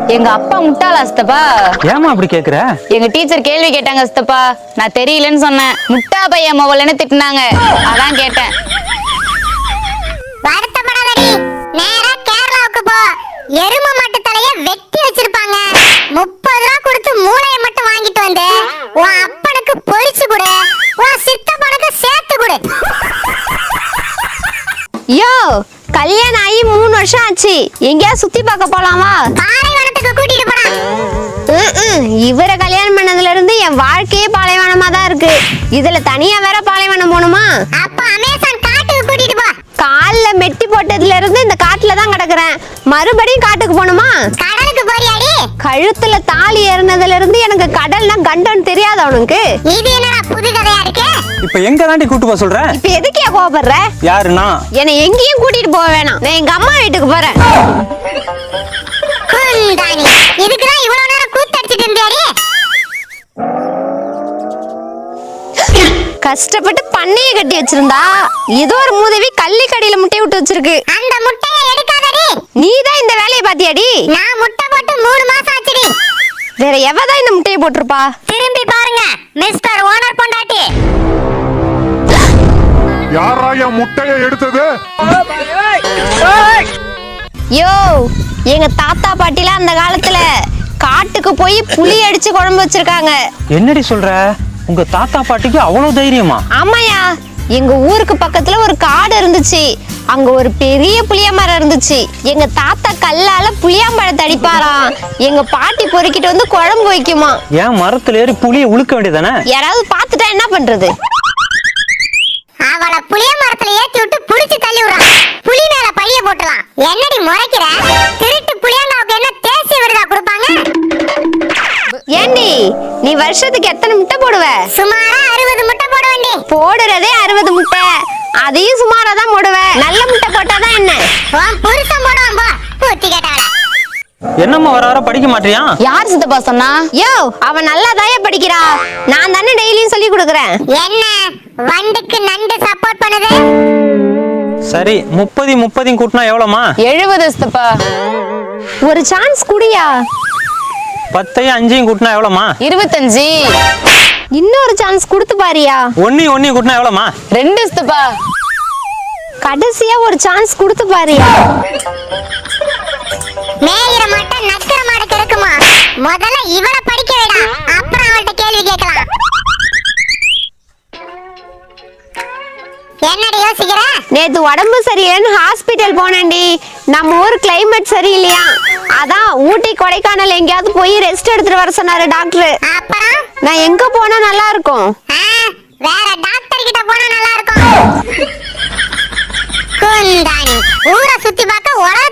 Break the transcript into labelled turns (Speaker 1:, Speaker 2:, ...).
Speaker 1: எங்க அப்பா முட்டாளா சித்தப்பா?
Speaker 2: ஏமா அப்படி கேக்குற?
Speaker 1: எங்க டீச்சர் கேள்வி கேட்டாங்க சித்தப்பா, நான் தெரியலன்னு சொன்னேன். முட்டா பையன் மொபைல்னு திட்டினாங்க, அதான் கேட்டேன்.
Speaker 3: வருத்தப்படாதடி, நேரா கேரளாவுக்கு போ. எரும மாட்டு தலைய வெட்டி வச்சிருப்பாங்க. 30 ரூபா கொடுத்து மூளையை மட்டும் வாங்கிட்டு வந்து உன் அப்பனுக்கு பொரிச்சு கொடு, உன் சித்தப்பனுக்கு சேர்த்து கொடு.
Speaker 4: யோ, கல்யாணம் ஆகி 3 வருஷம் ஆச்சு. எங்கயா சுத்தி பார்க்க போலாமா?
Speaker 3: பாலைவனத்துக்கு கூட்டிட்டு போடா.
Speaker 4: இவரை கல்யாணம் பண்ணதுல இருந்து என் வாழ்க்கையே பாலைவனமா தான் இருக்கு. இதுல தனியா வேற பாலைவனம் போகணுமா?
Speaker 3: அப்ப அமேசான் காட்டுக்கு கூட்டிட்டு போ.
Speaker 4: கால்ல மெட்டி போட்டதுல இருந்து இந்த காட்டுல தான் கிடக்குறேன். மறுபடியும் காட்டுக்கு போகணுமா?
Speaker 3: கடலுக்கு போறியாடி?
Speaker 4: கழுத்துல தாலி ஏறினதுல இருந்து எனக்கு கடல்னா கண்டன்னு தெரியாது அவனுக்கு.
Speaker 3: இது என்னடா புது கதையா இருக்கு?
Speaker 2: இப்ப எங்க தாண்டி கூட்டு போக சொல்ற?
Speaker 4: இப்ப எதுக்கே கோபப்படுற?
Speaker 2: யாருன்னா?
Speaker 4: என்னை எங்கேயும் கூட்டிட்டு போக வேணாம். நான் எங்க அம்மா வீட்டுக்கு போறேன்.
Speaker 3: குந்தாணி, இதுக்குதான் இவ்வளவு நேரம் கூத்தடிச்சிட்டு இருந்தியாடி?
Speaker 4: கஷ்டப்பட்டு பண்ணைய கட்டி வச்சிருந்தா ஏதோ ஒரு மூதேவி கள்ளி கடியில முட்டை விட்டு வச்சிருக்கு.
Speaker 3: அந்த முட்டையை எடுக்காதடி.
Speaker 4: நீதான் இந்த வேலையை பாத்தியாடி?
Speaker 3: நான் முட்டை போட்டு 3 மாசம் ஆச்சுடி.
Speaker 4: வேற எவதான் இந்த முட்டையை போட்டிருப்பா?
Speaker 3: திரும்பி பாருங்க மிஸ்டர் ஓனர் பொண்டாட்டி.
Speaker 5: யாரா என் முட்டைய எடுத்தது?
Speaker 4: யோ, எங்க தாத்தா பாட்டிலாம் அந்த காலத்துல காட்டுக்கு போய் புளி அடிச்சு குழம்பு வச்சிருக்காங்க.
Speaker 2: என்னடி சொல்ற? உங்க தாத்தா பாட்டிக்கு அவ்வளவு தைரியமா?
Speaker 4: ஆமாயா, எங்க ஊருக்கு பக்கத்துல ஒரு காடு இருந்துச்சு. அங்க ஒரு பெரிய புளிய மரம் இருந்துச்சு. எங்க தாத்தா கல்லால புளியாம்பழத்தை அடிப்பாராம். எங்க பாட்டி பொறுக்கிட்டு வந்து குழம்பு வைக்குமா.
Speaker 2: ஏன் மரத்துல ஏறி புளிய உழுக்க வேண்டியதானே?
Speaker 4: யாராவது பாத்துட்டா என்ன பண்றது?
Speaker 3: அவளை புளிய மரத்துல ஏத்தி விட்டு புடிச்சு தள்ளி விடுறான். புலி மேல பழிய போட்டுலாம். என்னடி முறைக்கிற? திருட்டு புளியாண்டாவுக்கு என்ன தேசிய விருதா கொடுப்பாங்க?
Speaker 4: ஏண்டி, நீ வருஷத்துக்கு எத்தனை முட்டை போடுவ?
Speaker 3: சுமாரா 60 முட்டை போட வேண்டி.
Speaker 4: போடுறதே 60 முட்டை. அதையும் சுமாரா தான் போடுவ. நல்ல முட்டை போட்டாதான் என்ன?
Speaker 3: உன் புருஷன் போடுவான் போ. பூத்தி கேட்டாள.
Speaker 2: என்னம்மா வர வர படிக்க மாட்டியா?
Speaker 1: யார் சித்தப்பா சொன்னா?
Speaker 4: யோ, அவ நல்லாதாயே படிக்கிறா. நான் தானே டெய்லியும் சொல்லி கொடுக்கறேன்.
Speaker 3: என்ன வண்டுக்கு நண்டு சப்போர்ட் பண்ணுது?
Speaker 2: சரி, 30 கூட்டினா எவ்வளவுமா?
Speaker 1: 70 சித்தப்பா.
Speaker 4: ஒரு சான்ஸ் குடியா.
Speaker 2: 10 5 கூட்டினா எவ்வளவுமா?
Speaker 1: 25.
Speaker 4: இன்னொரு சான்ஸ் கொடுத்து பாரியா.
Speaker 2: 1 கூட்டினா எவ்வளவுமா?
Speaker 1: 2 சித்தப்பா.
Speaker 4: கடைசியா ஒரு சான்ஸ் கொடுத்து பாரியா.
Speaker 3: மேயிற மாட்டை நக்கிற மாடு கிடக்குமா? முதல்ல இவளை படிக்க விடா, அப்புறம் அவள்கிட்ட கேள்வி கேட்கலாம். என்னடி யோசிக்கிற?
Speaker 4: நேத்து உடம்பு சரியில்லைன்னு ஹாஸ்பிட்டல் போனேன்டி. நம்ம ஊர் கிளைமேட் சரியில்லையா, அதான் ஊட்டி கொடைக்கானல் எங்கேயாவது போய் ரெஸ்ட் எடுத்துட்டு வர சொன்னாரு டாக்டர்.
Speaker 3: அப்புறம்
Speaker 4: நான் எங்க போனா நல்லா இருக்கும்?
Speaker 3: வேற டாக்டர் கிட்ட போனா நல்லா இருக்கும். குந்தாணி, ஊரை சுத்தி பார்க்க